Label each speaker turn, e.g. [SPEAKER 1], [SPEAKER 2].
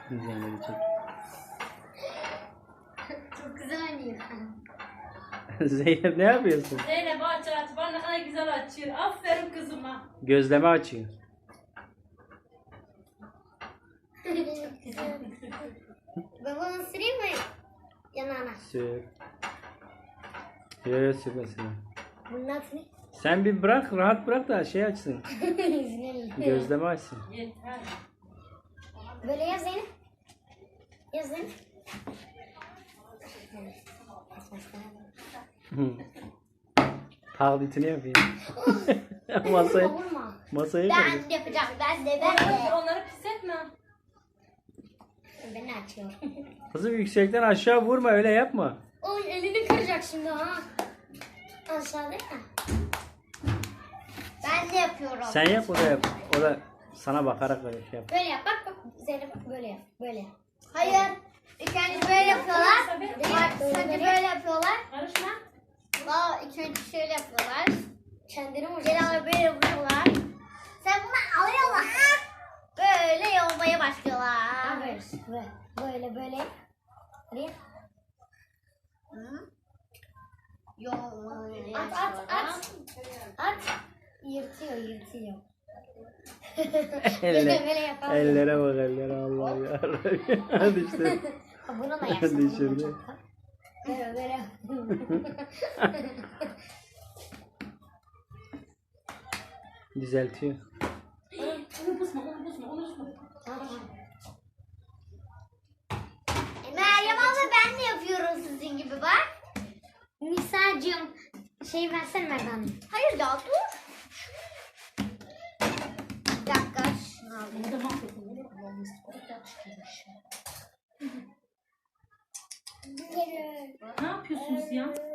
[SPEAKER 1] Diğerleri çek.
[SPEAKER 2] Çok güzel oynuyor.
[SPEAKER 1] Zeynep ne yapıyorsun?
[SPEAKER 3] Zeynep aç aç. Bana ne kadar güzel açıyor. Aferin kızıma.
[SPEAKER 1] Gözleme açıyor.
[SPEAKER 2] Çok güzel. Ben bunu süreyim mi? Yanağına.
[SPEAKER 1] Sür. Yok sürme sürme.
[SPEAKER 2] Bunun adı ne?
[SPEAKER 1] Sen bir bırak, rahat bırak da şey açsın. Gözleme açsın.
[SPEAKER 3] Yeter.
[SPEAKER 2] Böyle yaz Zeynep. Yaz Zeynep.
[SPEAKER 1] Taklitini yapayım. masayı,
[SPEAKER 2] Vurma.
[SPEAKER 1] masayı koy.
[SPEAKER 2] Ben de yapacağım. Ben de.
[SPEAKER 3] Onları pis etme.
[SPEAKER 2] Ben açıyorum.
[SPEAKER 1] Kızım yüksekten aşağı vurma, öyle yapma.
[SPEAKER 2] Oy elini kıracak şimdi ha. Aşağıda ya. Ben de yapıyorum.
[SPEAKER 1] Sen yap, o da yap. O da sana bakarak böyle şey yap.
[SPEAKER 2] Böyle yap bak bak. Zeynep bak böyle yap. Böyle yap. Hayır. İlk önce böyle yapıyorlar. Bak önce böyle yapıyorlar.
[SPEAKER 3] Karışma.
[SPEAKER 2] Daha ilk önce şöyle yapıyorlar. Kendini vuracaksın. Böyle vuruyorlar. Sen bunu alıyorlar. Böyle yolmaya başlıyorlar. Evet. Böyle böyle. Hadi. Yolmaya at. At. Yırtıyor. Böyle yapalım.
[SPEAKER 1] Ellere bak, ellere, Allah ya. Hadi işte.
[SPEAKER 2] Bunu da yapsın.
[SPEAKER 1] Düşürdü.
[SPEAKER 2] Böyle.
[SPEAKER 1] Düzeltiyor.
[SPEAKER 3] Onu busma.
[SPEAKER 2] Meryem abla ben de yapıyorum sizin gibi bak. Nisa'cığım şey versene Merdan. Hayır ya dur. Bir dakika şunu alayım.
[SPEAKER 3] Ne de mahvettin. Ne yapıyorsunuz ya?